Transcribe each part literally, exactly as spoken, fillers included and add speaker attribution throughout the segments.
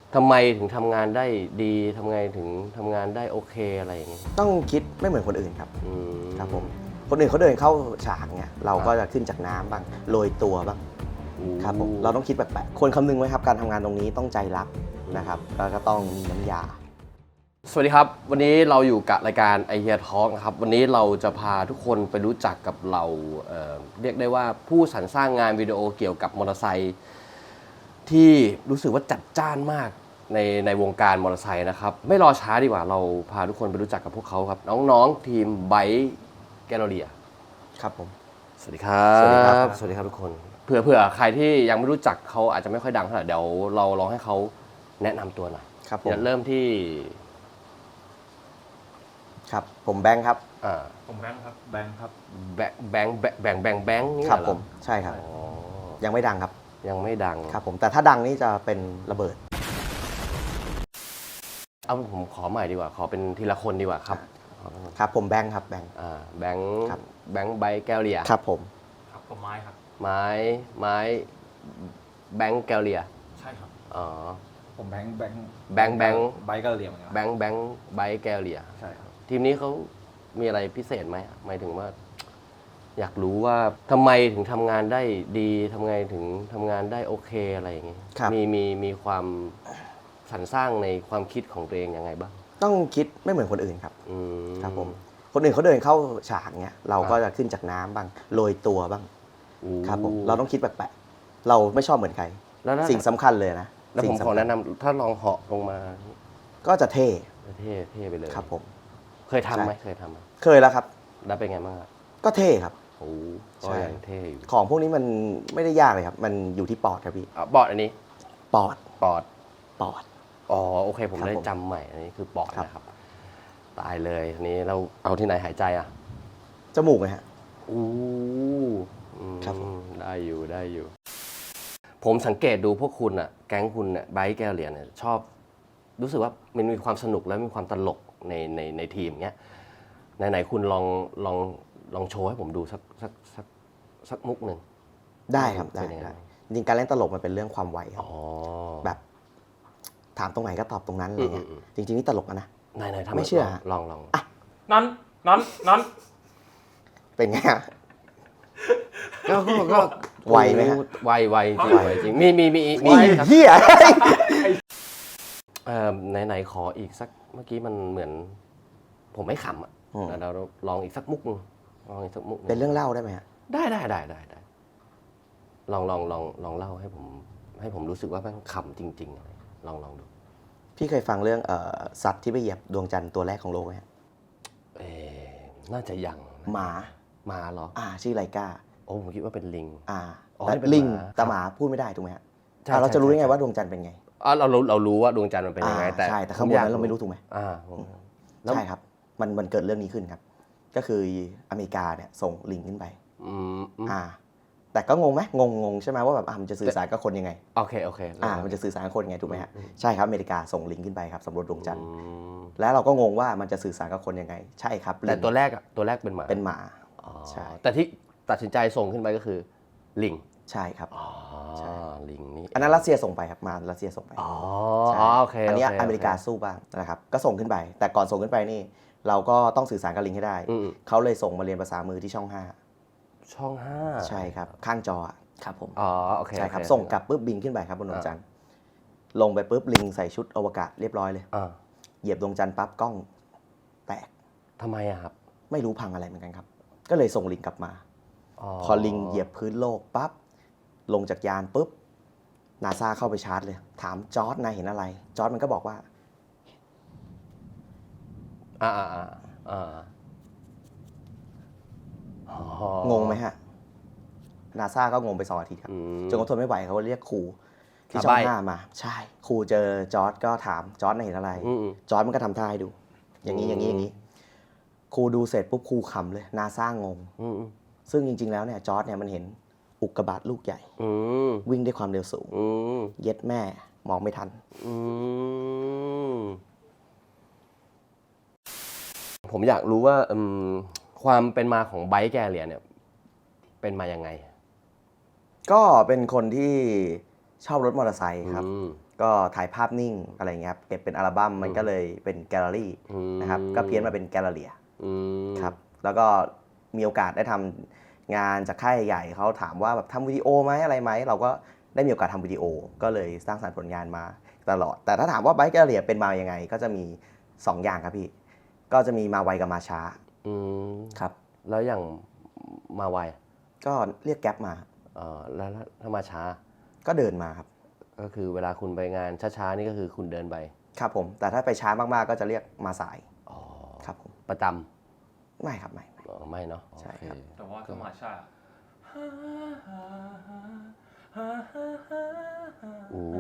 Speaker 1: ทำไมถึงทำงานได้ดีทำไงถึงทำงานได้โอเคอะไรอย่างเงี้ย
Speaker 2: ต้องคิดไม่เหมือนคนอื่นครับ
Speaker 1: อืม
Speaker 2: ครับผมคนอื่นเขาเดินเข้าฉากเนี่ยเราก็จะขึ้นจากน้ำบ้างโรยตัวบ้างครับผมเราต้องคิดแปลกๆควรคำนึงไว้ครับการทำงานตรงนี้ต้องใจรักนะครับแล้วก็ต้องมีน้ำยา
Speaker 1: สวัสดีครับวันนี้เราอยู่กับรายการไอเฮียทอล์กนะครับวันนี้เราจะพาทุกคนไปรู้จักกับเราเอ่อเรียกได้ว่าผู้สรรสร้างงานวิดีโอเกี่ยวกับมอเตอร์ไซค์ที่รู้สึกว่าจัดจ้านมากในในวงการมอเตอร์ไซค์นะครับไม่รอช้าดีกว่าเราพาทุกคนไปรู้จักกับพวกเขาครับน้องๆทีมไบค์แกลเลอรี่
Speaker 2: ครับผม
Speaker 1: สวัสดีครับ
Speaker 2: สวัสดีครับ
Speaker 1: สวัสดีครับทุกคนเผื่อเผื่อใครที่ยังไม่รู้จักเขาอาจจะไม่ค่อยดังเท่าไหร่เดี๋ยวเราลองให้เขาแนะนำตัวหน่อย
Speaker 2: ครับผม
Speaker 1: เริ่มที่
Speaker 2: ครับผมแบงค์ครับ
Speaker 1: อ่า
Speaker 3: ผมแบงค์ครับแบงค์ครับ
Speaker 1: แบงแบงแบงแบงแบงแบงนี่
Speaker 2: ครับ
Speaker 1: เหรอ
Speaker 2: ผมใช่ครับ
Speaker 1: อ๋อ
Speaker 2: ยังไม่ดังครับ
Speaker 1: ยังไม่ดัง
Speaker 2: ครับผมแต่ถ้าดังนี่จะเป็นระเบิด
Speaker 1: เอาผมขอใหม่ดีกว่า ขอเป็นทีละคนดีกว่าครับ
Speaker 2: ครับผมแบงค์ครับแบงค์
Speaker 1: อ่าแบงค์
Speaker 2: ครับ
Speaker 1: แบงค์ใบแก้วเลีย
Speaker 2: ครับผม
Speaker 3: ครับผมไม้ครับ
Speaker 1: ไม้ไม้แบงค์แก้วเลีย
Speaker 3: ใช่ครับ
Speaker 1: อ๋อ
Speaker 3: ผมแบงค์แบงค์
Speaker 1: แบงค์แบงค์
Speaker 3: ไบค์ก็เหลี่ยมเหมือนกัน
Speaker 1: แบงค์แบงค์ใบแก้วเลีย
Speaker 3: ใช่ครับ
Speaker 1: ทีมนี้เขามีอะไรพิเศษไหมหมายถึงว่า อยากรู้ว่าทำไมถึงทำงานได้ดีทำไงถึงทำงานได้โอเคอะไรอย่างเงี้ย
Speaker 2: ครับ
Speaker 1: มีมีมีความสรรสร้างในความคิดของตัวเองยังไงบ้าง
Speaker 2: ต้องคิดไม่เหมือนคนอื่นครับ
Speaker 1: อืม
Speaker 2: ครับผมคนอื่นเขาเดินเข้าฉากเนี่ยเราก็จะขึ้นจากน้ำบ้างโรยตัวบ้าง
Speaker 1: อู้
Speaker 2: ครับผมเราต้องคิดแปลกๆเราไม่ชอบเหมือนใคร
Speaker 1: แล้วถ้า
Speaker 2: สิ่งสำคัญเลยนะ
Speaker 1: แล้วผม
Speaker 2: สิ่ง
Speaker 1: ขอ
Speaker 2: สำคัญ
Speaker 1: แนะนำถ้าลองเหาะลงมา
Speaker 2: ก็จะเท่
Speaker 1: เท่เท่ไปเลย
Speaker 2: ครับผม
Speaker 1: เคยทำไหม
Speaker 2: ใช่
Speaker 1: เคยทำไหม
Speaker 2: เคยแล้วครับ
Speaker 1: แล้วเป็นไงบ้างครับ
Speaker 2: ก็เท่ครับ
Speaker 1: โอ้ก็
Speaker 2: ใช่
Speaker 1: ยังเท่อยู่
Speaker 2: ของพวกนี้มันไม่ได้ยากเลยครับ มันอยู่ที่ปอดครับพี่
Speaker 1: อ่ะบอร์ดอันนี้
Speaker 2: ปอด
Speaker 1: ปอด
Speaker 2: ปอด
Speaker 1: อ๋อโอเคผม
Speaker 2: ครับ
Speaker 1: ได้
Speaker 2: ผม
Speaker 1: จำใหม่อันนี้คือปอด
Speaker 2: ครับ
Speaker 1: นะครับ ตายเลยอันนี้เราเอาที่ไหนหายใจอ่ะ
Speaker 2: จมูกนะฮะ
Speaker 1: อู้อืม
Speaker 2: ครับผม
Speaker 1: ได้อยู่ได้อยู่ ผมสังเกตดูพวกคุณอ่ะ แก๊งคุณเนี่ยไบค์แก้วเหรียญเนี่ยชอบ รู้สึกว่ามันมีความสนุกและมีความตลกในในในทีมเนี้ยไหนๆคุณลองลองลองโชว์ให้ผมดูสักสักสักสักมุกหนึ่ง
Speaker 2: ได้ครับได้
Speaker 1: เป็นยังไง
Speaker 2: ได้จริงๆการเล่นตลกมันเป็นเรื่องความไวครับ
Speaker 1: อ๋อ
Speaker 2: แบบ ถามตรงไหนก็ตอบตรงนั้นอะไรเงี้ย
Speaker 1: อืม
Speaker 2: จริงๆนี่ตลกอะนะ
Speaker 1: ไหนไหนทำ
Speaker 2: ไม่เชื่อ
Speaker 1: ลองลอง
Speaker 3: นั้นนั้นนั้น
Speaker 2: เป็นไงฮะ
Speaker 1: ก็ก็ก็
Speaker 2: ไวไหมฮะ
Speaker 1: ไวไวจริงไวจริงมีมีมีมี
Speaker 2: ไอ้
Speaker 1: ครับ
Speaker 2: เหี้ย
Speaker 1: เอ่อไหนไหนขออีกสักเมื่อกี้มันเหมือน ผมไม่ขำอ่ะ
Speaker 2: อืม
Speaker 1: เราลองอีกสักมุกหนึงลองอีกสักมุกห
Speaker 2: เป็นเรื่องเล่าได้ไหมฮะ
Speaker 1: ได้ได้ได้ได้ได้ลองลองลองลองเล่าให้ผม ให้ผมรู้สึกว่ามันขำจริงๆอะไรลองลองดู
Speaker 2: พี่เคยฟังเรื่องเอ่อสัตว์ที่ไปเหยียบดวงจันทร์ตัวแรกของโลกไหมฮะ
Speaker 1: เอ๊ะน่าจะยังนะ
Speaker 2: หมา
Speaker 1: หมาเหรอ
Speaker 2: อ่าชื่อไลกา
Speaker 1: โอ้ผมคิดว่าเป็นลิง
Speaker 2: อ่า
Speaker 1: อ๋อ
Speaker 2: แต่
Speaker 1: นี่เป็น
Speaker 2: ลิง
Speaker 1: หมา
Speaker 2: แต่หมาพูดไม่ได้ถูกไหมฮะ
Speaker 1: ใช่
Speaker 2: อ่าเราจะรู้ได้ไง
Speaker 1: ใช่
Speaker 2: ว่าดวงจันทร์เป็นไง
Speaker 1: อ๋อเรารู้เรารู้ว่าดวงจันทร์มันเป็นยังไง
Speaker 2: อ่า
Speaker 1: แต่
Speaker 2: ใช่แต่ข้างบนนั้นเราไม่รู้ถูกไหม
Speaker 1: อ่าผมแล้ว
Speaker 2: ใช่ครับ มันมันเกิดเรื่องนี้ขึ้นครับ ก็คืออเมริกาเนี่ยส่งลิงขึ้นไป
Speaker 1: อืมอืม
Speaker 2: อ่า แต่ก็งงไหมงงงงใช่ไหมว่าแบบอ่ะมันจะสื่อสารกับคนยังไง
Speaker 1: โอเคโอเค
Speaker 2: อ่า มันจะสื่อสารกับคนยังไงถูกไหมฮะ
Speaker 1: อืม
Speaker 2: ใช่ครับอเมริกาส่งลิงขึ้นไปครับสำรวจดวงจันทร์
Speaker 1: อืม
Speaker 2: แล้วเราก็งงว่ามันจะสื่อสารกับคนยังไง ใช่ครับ
Speaker 1: แต่
Speaker 2: ลิง
Speaker 1: ตัวแรกอะตัวแรกเป็นหมา
Speaker 2: เป็นหมา
Speaker 1: อ๋อ
Speaker 2: ใช่
Speaker 1: แต่ที่ตัดสินใจส่งขึ้นไปก็คือลิง
Speaker 2: ใช่ครับ
Speaker 1: อ๋อ
Speaker 2: ใช่
Speaker 1: ลิงนี่
Speaker 2: อันนั้นรัสเซียส่งไปครับมารัสเซียส่งไป
Speaker 1: อ๋อ
Speaker 2: ใช่
Speaker 1: อ๋อโอเค
Speaker 2: อันเนี้ย
Speaker 1: โค
Speaker 2: อเมริกา
Speaker 1: โค
Speaker 2: สู้บ้างนะครับ ก็ส่งขึ้นไป แต่ก่อนส่งขึ้นไปนี่ เราก็ต้องสื่อสารกับลิงให้ได้
Speaker 1: อืม
Speaker 2: เขาเลยส่งมาเรียนภาษามือที่ช่องห้า
Speaker 1: ช่องห้า
Speaker 2: ใช่ครับ ข้างจออะครับผม
Speaker 1: อ๋อโอเค
Speaker 2: ใช่ครับ
Speaker 1: โอเ
Speaker 2: ส่งกลับปุ๊บบินขึ้นไปครับบนดวงจันทร์ ลงไปปุ๊บลิงใส่ชุดอวกาศเรียบร้อยเลย
Speaker 1: อ่า
Speaker 2: เหยียบดวงจันทร์ปั๊บกล้องแตก
Speaker 1: ทำไมอะครับ
Speaker 2: ไม่รู้พังอะไรเหมือนกันครับ ก็เลยส่งลิงกลับมา พอลิงเหยียบพื้นโลกปั๊บ ลงจากยานปุ๊บ นาซาเข้าไปชาร์จเลย ถามจอร์ดนายเห็นอะไร จอร์ดมันก็บอกว่า
Speaker 1: อ่าอ่าอ่าอ่าอ๋อง
Speaker 2: งไหมฮะ นาซาก็งงไปสองอาทิตย์ครับ
Speaker 1: อืม
Speaker 2: จนเขาทนไม่ไหวเขาเรียกครูที่
Speaker 1: อ่ะ
Speaker 2: ช่อง
Speaker 1: ใบ้
Speaker 2: ห้ามา ใช่ ครูเจอจอร์ดก็ถามจอร์ดนายเห็นอะไร
Speaker 1: อืมอืม
Speaker 2: จอร์ดมันก็ทำท่าให้ดู อย่างนี้
Speaker 1: อืม
Speaker 2: อย่างนี้อย่างนี้ ครูดูเสร็จปุ๊บครูขำเลย นาซางง
Speaker 1: อืมอืม
Speaker 2: ซึ่งจริงๆแล้วเนี่ยจอร์ดเนี่ยมันเห็นอุกกาบาตลูกใหญ่
Speaker 1: อืม
Speaker 2: วิ่งด้วยความเร็วสูง
Speaker 1: อืม
Speaker 2: เย็ดแม่มองไม่ทัน
Speaker 1: อืมผมอยากรู้ว่าอืมความเป็นมาของไบค์แกเลียเนี่ย เป็นมายังไง
Speaker 2: ก็เป็นคนที่ชอบรถมอเตอร์ไซค์ครับ
Speaker 1: อืม
Speaker 2: ก็ถ่ายภาพนิ่งอะไรเงี้ยครับเก็บเป็นอัลบั้มมันก็เลยเป็นแกลเลอรี่นะครับก็เพี้ยนมาเป็นแกลเลอเรียครับแล้วก็มีโอกาสได้ทำงานจากค่ายใหญ่เขาถามว่าแบบทำวิดีโอไหมอะไรไหมเราก็ได้มีโอกาสทำวิดีโอก็เลยสร้างสรรค์ผลงานมาตลอดแต่ถ้าถามว่าไบค์แกลเลอเรียเป็นมายังไงก็จะมีสองอย่างครับพี่ก็จะมีมาไวกับมาช้าครับ
Speaker 1: แล้วอย่างมาไว
Speaker 2: ก็เรียกแก๊ปมา
Speaker 1: เออแล้วถ้ามาช้า
Speaker 2: ก็เดินมาครับ
Speaker 1: ก็คือเวลาคุณไปงานช้าๆนี่ก็คือคุณเดินไป
Speaker 2: ครับผมแต่ถ้าไปช้ามากๆก็จะเรียกมาสาย
Speaker 1: อ๋อ
Speaker 2: ครับผม
Speaker 1: ประจ
Speaker 2: ำไม่ครับไม่
Speaker 1: อ๋อไม่เนาะ
Speaker 2: ใช่ครับ
Speaker 3: แต่ว่าถ้ามาช้า
Speaker 1: โอ้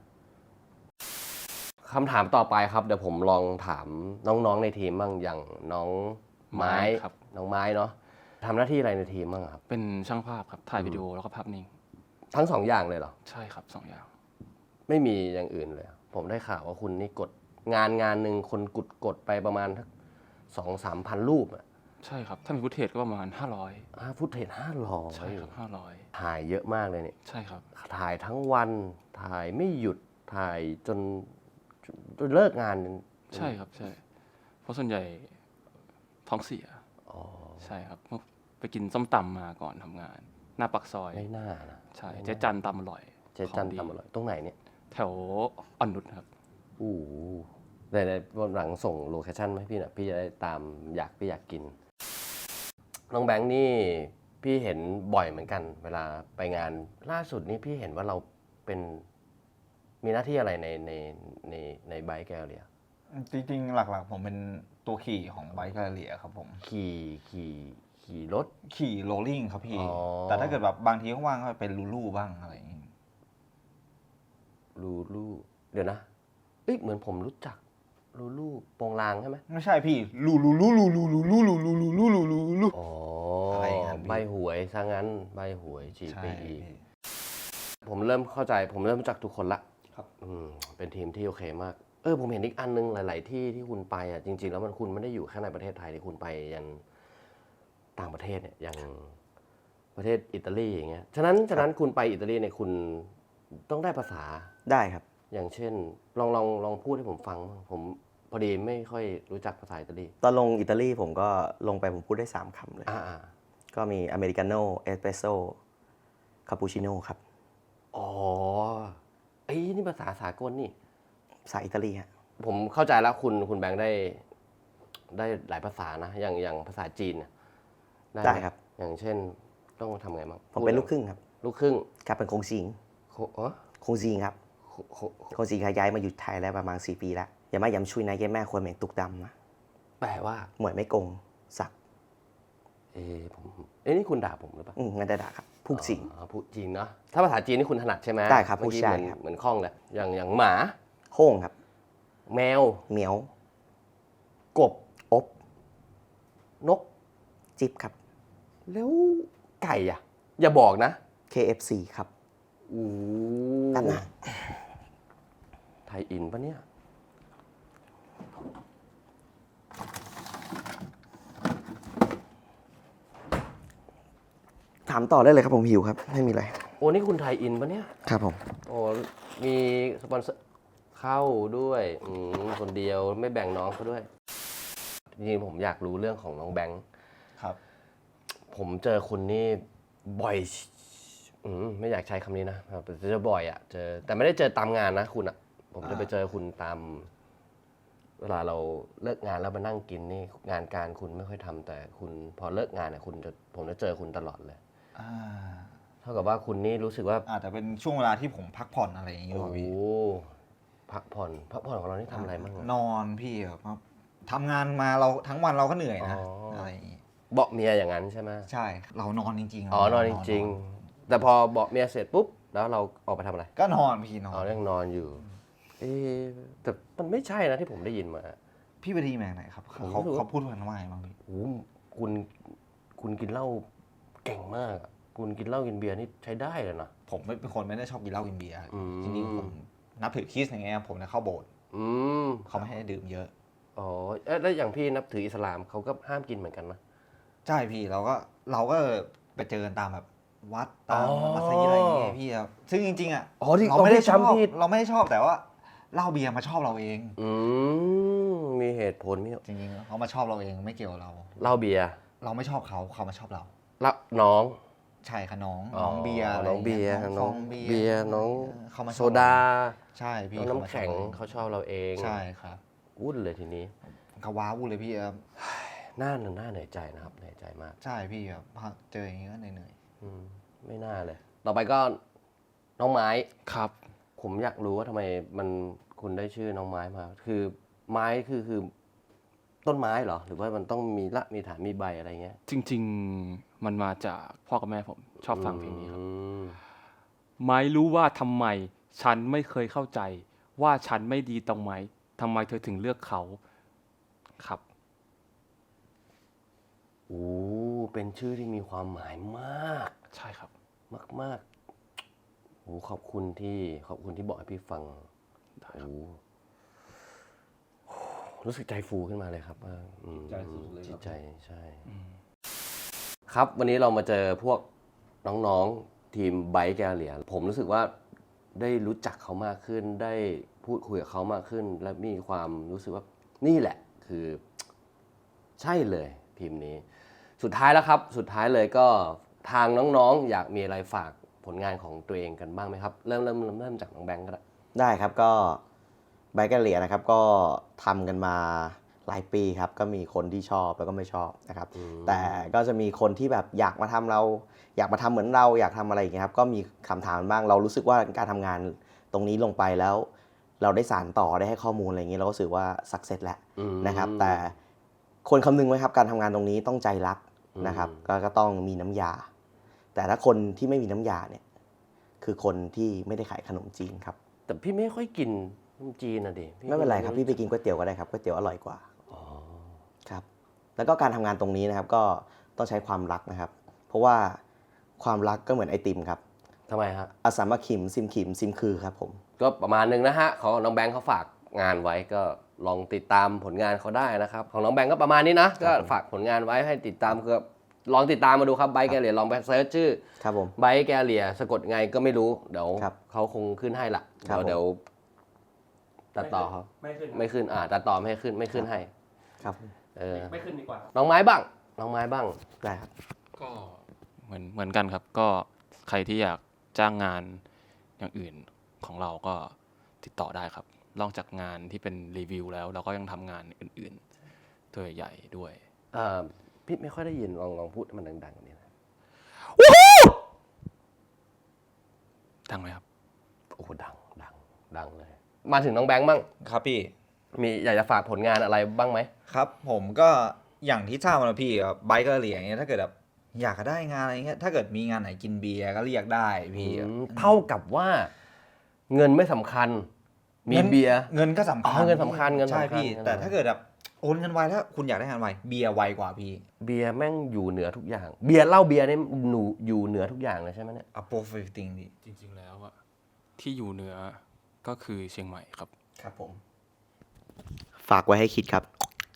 Speaker 1: คำถามต่อไปครับเดี๋ยวผมลองถามน้องๆในทีมบ้างอย่างน้องไม้
Speaker 3: ครับ
Speaker 1: น้องไม้เนาะทำหน้าที่อะไรในทีมบ้างครับ
Speaker 3: เป็นช่างภาพครับถ่ายวิดีโอแล้วก็ภาพนิ่ง
Speaker 1: ทั้งสองอย่างเลยเหรอ
Speaker 3: ใช่ครับสองอย่าง
Speaker 1: ไม่มีอย่างอื่นเลยผมได้ข่าวว่าคุณนี่กดงานงานหนึ่งคนกดกดไปประมาณสองสามพันรูปอ่ะ
Speaker 3: ใช่ครับถ้ามีฟุตเทจก็ประมาณห้าร้อย
Speaker 1: อ่าฟุตเทจห้าร้อย
Speaker 3: ใช่ครับห้าร้อย
Speaker 1: ถ่ายเยอะมากเลยเนี่ย
Speaker 3: ใช่ครับ
Speaker 1: ถ่ายทั้งวันถ่ายไม่หยุดถ่ายจนจนเลิกงาน
Speaker 3: ใช่ครับใช่เพราะส่วนใหญ่ท้องเสียอ๋อใช่ครับไปกินส้มตำมาก่อนทำงานหน้าปากซอย
Speaker 1: ไม่น่านะ
Speaker 3: ใช่เจ๊จันตำอร่อย
Speaker 1: เจ๊จันตำอร่อยตรงไหนเนี่ย
Speaker 3: แถวอ่อนนุชครับ
Speaker 1: อู้แต่ในวันหลังส่งโลเคชั่นให้พี่หน่อยพี่จะได้ตามอยากพี่อยากกินน้องแบงค์นี่พี่เห็นบ่อยเหมือนกันเวลาไปงานล่าสุดนี้พี่เห็นว่าเราเป็นมีหน้าที่อะไรในในในในไบค์แกลเลีย
Speaker 4: จริงๆหลักๆผมเป็นตัวขี่ของไบค์แกลเลียครับผม
Speaker 1: ขี่ขี่ขี่รถ
Speaker 4: ขี่โรลลิ่งครับพี่แต่ถ้าเกิดแบบบางทีว่างๆก็เป็นลูลูบ้างอะไรอย่างงี้
Speaker 1: ลูลูเดี๋ยวนะเอ้ยเหมือนผมรู้จักลูลูโปงลางใช่ไหม
Speaker 4: ไม่ใช่พี่ลูลูลูลูลูลูลูลูลูลูลูลูลูลู
Speaker 1: อ๋อใบหวยซะงั้นใบหวยจีไปอีกผมเริ่มเข้าใจผมเริ่มรู้จักทุกคนละ
Speaker 4: ครับ
Speaker 1: อืมเป็นทีมที่โอเคมากเออผมเห็นอีกอันนึงหลายๆที่ที่คุณไปอ่ะจริงๆแล้วมันคุณไม่ได้อยู่แค่ในประเทศไทยที่คุณไปยันต่างประเทศเนี่ยอย่างประเทศอิตาลีอย่างเงี้ยฉะนั้นฉะนั้นคุณไปอิตาลีเนี่ยคุณต้องได้ภาษา
Speaker 2: ได้ครับ
Speaker 1: อย่างเช่นลองลองลองพูดให้ผมฟังผมพอดีไม่ค่อยรู้จักภาษาอิตาลี
Speaker 2: ตอนลงอิตาลีผมก็ลงไปผมพูดได้สามคำเลย
Speaker 1: อ่า
Speaker 2: ก็มีอเมริกาโน่เอสเปรสโซ่คาปูชิโน่ครับ
Speaker 1: อ๋อไอ้นี่ภาษาสากลนี่
Speaker 2: ภาษาอิตาลีฮะ
Speaker 1: ผมเข้าใจแล้วคุณคุณแบงค์ได้ได้หลายภาษานะอย่างอย่างภาษาจีน
Speaker 2: ได้ครับ
Speaker 1: อย่างเช่นต้องทำไงบ้าง
Speaker 2: ผมเป็นลูกครึ่งครับ
Speaker 1: ลูกครึ่ง
Speaker 2: ครับเป็นคงซิงคงซิงครับคงซิงย้ายมาอยู่ไทยแล้วประมาณสี่ปีแล้วอย่ามาย้ำชุยนายแกแม่ควรเหม่งตุกดำนะ
Speaker 1: แปลว่า
Speaker 2: หมวยไม่โกงสัก
Speaker 1: เอ้ผมเอ้นี่คุณด่าผมหรือเปล่า
Speaker 2: อืมงั้นได้ด่าครับพูดจริง
Speaker 1: พูดจริงเนาะถ้าภาษาจีนนี่คุณถนัดใช่ไหม
Speaker 2: ได้ครับพูดใช่ครับ
Speaker 1: เหมือนคล่องเลยอย่างอย่างหมา
Speaker 2: โค้งครับ
Speaker 1: แมว
Speaker 2: เหมียว
Speaker 1: กบ
Speaker 2: อบ
Speaker 1: นก
Speaker 2: จิ๊บครับ
Speaker 1: แล้วไก่อ่ะอย่าบอกนะ
Speaker 2: เค เอฟ ซี ครับ
Speaker 1: อู้
Speaker 2: นั่นนะ
Speaker 1: ไทยอินปะเนี่ย
Speaker 2: ถามต่อได้เลยครับผมหิวครับไม่มีอะไร
Speaker 1: โอ้นี่คุณไทยอินปะเนี่ย
Speaker 2: ครับผม
Speaker 1: โอ้มีสปอนเซอร์เข้าด้วยอืมคนเดียวไม่แบ่งน้องเขาด้วยจริงๆผมอยากรู้เรื่องของน้องแบงค์
Speaker 4: ครับ
Speaker 1: ผมเจอคุณนี่บ่อยอืมไม่อยากใช้คำนี้นะเจอบ่อยอ่ะเจอแต่ไม่ได้เจอตามงานนะคุณอ่ะผมจะไปเจอคุณตามเวลาเราเลิกงานแล้วมานั่งกินนี่งานการคุณไม่ค่อยทำแต่คุณพอเลิกงานเนี่ยคุณจะผมจะเจอคุณตลอดเลยเท่ากับว่าคุณนี่รู้สึกว่า
Speaker 4: อาจจะเป็นช่วงเวลาที่ผมพักผ่อนอะไรอย่างนี้
Speaker 1: โอ้พักผ่อนพักผ่อนของเรานี่ทำอะไรบ้าง
Speaker 4: นอนพี่ครับทำงานมาเราทั้งวันเราก็เหนื่อยนะอะไรอย่างนี้
Speaker 1: เบาะเมียอย่างนั้นใช่ไหม
Speaker 4: ใช่เรานอนจริง
Speaker 1: ๆอ๋อนอนจริงๆแต่พอเบาะเมียเสร็จปุ๊บแล้วเราออกไปทำอะไร
Speaker 4: ก็นอนพี่นอน
Speaker 1: อ๋อยังนอนอยู่เอ๊แต่มันไม่ใช่นะที่ผมได้ยินมา
Speaker 4: พี่ไปดีแมงไหนครับเขาเขาพูดกันว่าไงบ้างพี่
Speaker 1: โอ้คุณคุณกินเหล้าเก่งมากคุณกินเหล้ากินเบียร์นี่ใช้ได้เลยนะ
Speaker 4: ผมไม่เป็นคนไม่ได้ชอบกินเหล้ากินเบียร์จริงๆผมนับถือคริสต์อย่างเงี้ยผมจะเข้าโบสถ์เขาไม่ให้ดื่มเยอะ
Speaker 1: อ๋อแล้วอย่างพี่นับถืออิสลามเขาก็ห้ามกินเหมือนกันนะ
Speaker 4: ใช่พี่เราก็เราก็ไปเจอกันตามแบบวัดตาม
Speaker 1: อ๋อ
Speaker 4: มัสยิดอะไรอย่างเงี้ยพี่ครับซึ่งจริงๆอ่ะ
Speaker 1: อ๋อที่
Speaker 4: เราไม่ได้
Speaker 1: เราไม่ได้
Speaker 4: ชอบ
Speaker 1: จำผิด
Speaker 4: เราไม่ได้ชอบแต่ว่าเหล้าเบียร์มาชอบเราเอง
Speaker 1: อืมมีเหตุผลมี
Speaker 4: จริงๆเขามาชอบเราเองไม่เกี่ยวกับเรา
Speaker 1: เหล้าเบียร์
Speaker 4: เราไม่ชอบเขาเขามาชอบเรา
Speaker 1: แล้วน้อง
Speaker 4: ใช่ค่ะน้อง
Speaker 1: อ๋อ
Speaker 4: น้องเบียร์ะไร
Speaker 1: น้องเบียร์
Speaker 4: น้องฟ
Speaker 1: น้อ
Speaker 4: อง งเบียร์
Speaker 1: เบียร์น้อง
Speaker 4: เขามาชอบ
Speaker 1: โซดา
Speaker 4: ใช่พี่
Speaker 1: น้อง
Speaker 4: เขามา
Speaker 1: น้ำแข็ง
Speaker 4: ชอบ
Speaker 1: เขาชอบเราเอง
Speaker 4: ใช่ครับ
Speaker 1: วุ่นเลยทีนี้
Speaker 4: เขาว้าวุ่นเลยพี่ครับ
Speaker 1: น่าหน้าเหนื่อยใจนะครับเหนื่อยใจมาก
Speaker 4: ใช่พี่ครับพอเจออย่างงี้ก็เหนื่อย
Speaker 1: อืมไม่น่าเลย ต่อไปก็น้องไม้
Speaker 3: ครับ
Speaker 1: ผมอยากรู้ว่าทำไมมันคุณได้ชื่อน้องไม้มา คือไม้คือคือต้นไม้เหรอ หรือว่ามันต้องมีละมีฐานมีใบอะไรเงี้ย
Speaker 3: จริง ๆ มันมาจากพ่อกับแม่ผมชอบฟังเพลงนี้ครับ
Speaker 1: อืม
Speaker 3: ไม่รู้ว่าทำไม ฉันไม่เคยเข้าใจ ว่าฉันไม่ดีตรงไหมทำไมเธอถึงเลือกเขาครับ
Speaker 1: โอ้เป็นชื่อที่มีความหมายมาก
Speaker 3: ใช่ครับ
Speaker 1: มากมากโอ้ขอบคุณที่ขอบคุณที่บอกให้พี่ฟังโอ้รู้สึกใจฟูขึ้นมาเลยครับว่าอืม
Speaker 5: ใจสุดเลยครับ
Speaker 1: จิตใจใช่ ครับวันนี้เรามาเจอพวกน้องๆทีมไบค์แกลเลียผมรู้สึกว่าได้รู้จักเขามากขึ้น ได้พูดคุยกับเขามากขึ้น และมีความรู้สึกว่านี่แหละคือใช่เลยทีมนี้ สุดท้ายแล้วครับ สุดท้ายเลยก็ทางน้องๆ อยากมีอะไรฝากผลงานของตัวเองกันบ้างไหมครับ เริ่มเริ่มเริ่มเริ่มจากน้องแบงก์ก็ได้
Speaker 2: ได้ครับก็ไบเกอร์เลียนะครับก็ทำกันมาหลายปีครับก็มีคนที่ชอบแล้วก็ไม่ชอบนะครับ
Speaker 1: อืม
Speaker 2: แต่ก็จะมีคนที่แบบอยากมาทำเรา อยากมาทำเหมือนเราอยากทำอะไรอย่างเงี้ยครับก็มีคำถามบ้างเรารู้สึกว่าการทำงานตรงนี้ลงไปแล้ว เราได้สานต่อได้ให้ข้อมูลอะไรอย่างเงี้ยเราก็รู้สึกว่าสักเซสแล้ว
Speaker 1: อืม
Speaker 2: นะครับ แต่คนคำนึงไว้ครับการทำงานตรงนี้ต้องใจรักนะครับ
Speaker 1: อืม
Speaker 2: ก็ก็ต้องมีน้ำยา แต่ถ้าคนที่ไม่มีน้ำยาเนี่ยคือคนที่ไม่ได้ขายขนมจีนครับ
Speaker 1: แต่พี่ไม่ค่อยกินขนมจีนนะดิพี่
Speaker 2: ไม่เป็นไรครับพี่ไปกินก๋วยเตี๋ยวก็ได้ครับก๋วยเตี๋ยวอร่อยกว่า
Speaker 1: อ๋อ
Speaker 2: ครับแล้วก็การทำงานตรงนี้นะครับก็ต้องใช้ความรักนะครับ เพราะว่าความรักก็เหมือนไอติมครับ
Speaker 1: ทำไมฮะ
Speaker 2: อาสามาขิมซิมขิมซิมคือครับผม
Speaker 1: ก็ประมาณนึงนะฮะของน้องแบงค์เขาฝากงานไว้ก็ลองติดตามผลงานเขาได้นะครับ ของน้องแบงค์ก็ประมาณนี้นะก็ฝากผลงานไว้ให้ติดตามก็ลองติดตามมาดูครับไบค์แกเลียลองไปเซิร์ชชื่อ
Speaker 2: ครับผม
Speaker 1: ไบค์แกเลียสะกดไงก็ไม่รู้เดี๋ยว
Speaker 2: ครับ
Speaker 1: เขาคงขึ้นให้ละ
Speaker 2: ครับ
Speaker 1: เดี๋ยวเดี๋ยวตัดต่อเขา
Speaker 5: ไม่ขึ้น
Speaker 1: ไม่ขึ้นอ่าตัดต่อไม่ให้ขึ้นไม่ขึ้นให้
Speaker 2: ครับ
Speaker 1: เออ
Speaker 5: ไม่ขึ้นดีกว่า
Speaker 1: น้องไม้บ้างน้องไม้บ้าง
Speaker 2: ได้ครับ
Speaker 3: ก็เหมือนเหมือนกันครับ ก็ใครที่อยากจ้างงานอย่างอื่นของเราก็ติดต่อได้ครับนอกจากงานที่เป็นรีวิวแล้ว เราก็ยังทำงานอื่นๆตัวใหญ่ๆด้วย
Speaker 1: เอ่อพี่ไม่ค่อยได้ยินลองลองพูดให้มันดังๆกว่านี้นะ
Speaker 3: ดังไหมครับ
Speaker 1: โอ้โหดังดังดังเลย มาถึงน้องแบงค์บ้าง
Speaker 4: ครับพี่
Speaker 1: มีอยากจะฝากผลงานอะไรบ้างไหม
Speaker 4: ครับผมก็อย่างที่ทราบมาแล้วพี่ไบเกอร์เลียอย่างเงี้ยถ้าเกิดแบบอยากจะได้งานอะไรเงี้ยถ้าเกิดมีงานไหนกินเบียร์ก็เรียกได้พี่
Speaker 1: อืมเท่ากับว่าเงินไม่สำคัญ มีเบียร์
Speaker 4: เงินก็สำคัญ
Speaker 1: อ๋อเงินสำคัญเงินสำคัญ
Speaker 4: ใช่พี่
Speaker 1: เงินสำคัญ
Speaker 4: แต่ถ้าเกิดแบบโอนเงินไวถ้าคุณอยากได้งานไวเบียร์ไวกว่าพี่
Speaker 1: เบียร์แม่งอยู่เหนือทุกอย่าง เบียร์เหล้าเบียร์นี่หนูอยู่เหนือทุกอย่างเลยใช่ไหมเนี่ย
Speaker 4: a p o f i f t i n g พี่
Speaker 3: จริงๆแล้วอะที่อยู่เหนือก็คือเชียงใหม่ครับ
Speaker 2: ครับผมฝากไว้ให้คิดครับ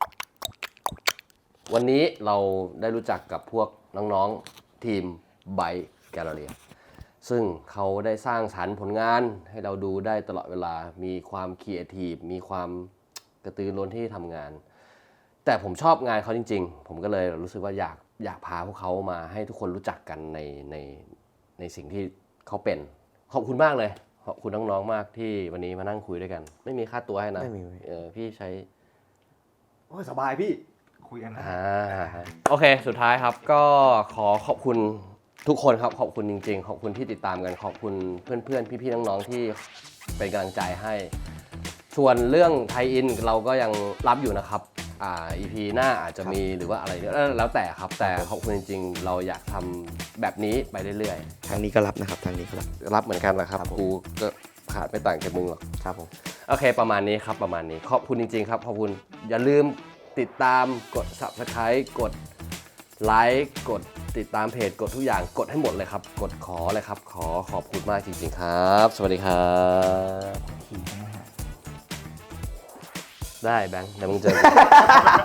Speaker 1: วันนี้เราได้รู้จักกับพวกน้องๆทีมไบแกลเลียซึ่งเขาได้สร้างสรรค์ผลงานให้เราดูได้ตลอดเวลา มีความครีเอทีฟ มีความกระตือรือร้นที่ทำงาน แต่ผมชอบงานเขาจริงๆ ผมก็เลยรู้สึกว่าอยากอยากพาพวกเขามาให้ทุกคนรู้จักกันในในในสิ่งที่เขาเป็น ขอบคุณมากเลย ขอบคุณน้องๆมากที่วันนี้มานั่งคุยด้วยกัน ไม่มีค่าตัวให้นะ
Speaker 2: ไม่มี
Speaker 1: เออพี่ใช้
Speaker 5: โอ้ยสบายพี่
Speaker 4: คุยกันนะ
Speaker 1: อ่าโอเค สุดท้ายครับก็ขอขอบคุณทุกคนครับ ขอบคุณจริงๆ ขอบคุณที่ติดตามกัน ขอบคุณเพื่อนๆ พี่ๆ น้องๆ ที่เป็นกำลังใจให้ ส่วนเรื่องไทยอินเราก็ยังรับอยู่นะครับ อ่า อี พี หน้าอาจจะมีหรือว่าอะไรเนี่ยแล้วแต่ครับ แต่ขอบคุณจริงๆ เราอยากทำแบบนี้ไปเรื่อย
Speaker 2: ทางนี้ก็รับนะครับทางนี้ก็รับ
Speaker 1: ๆ รับเหมือนกันนะครับ
Speaker 2: ครับผม
Speaker 1: กูก็ขาดไม่ต่างจากมึงหรอก
Speaker 2: ครับผม
Speaker 1: โอเคประมาณนี้ครับประมาณนี้ขอบคุณจริงๆครับขอบคุณอย่าลืมติดตามกด ซับสไครบ์ กดไลค์กดติดตามเพจกดทุกอย่างกดให้หมดเลยครับ กดขอเลยครับ ขอขอบคุณมากจริงๆครับ สวัสดีครับได้แบงค์เดี๋ยวมึงเจอกัน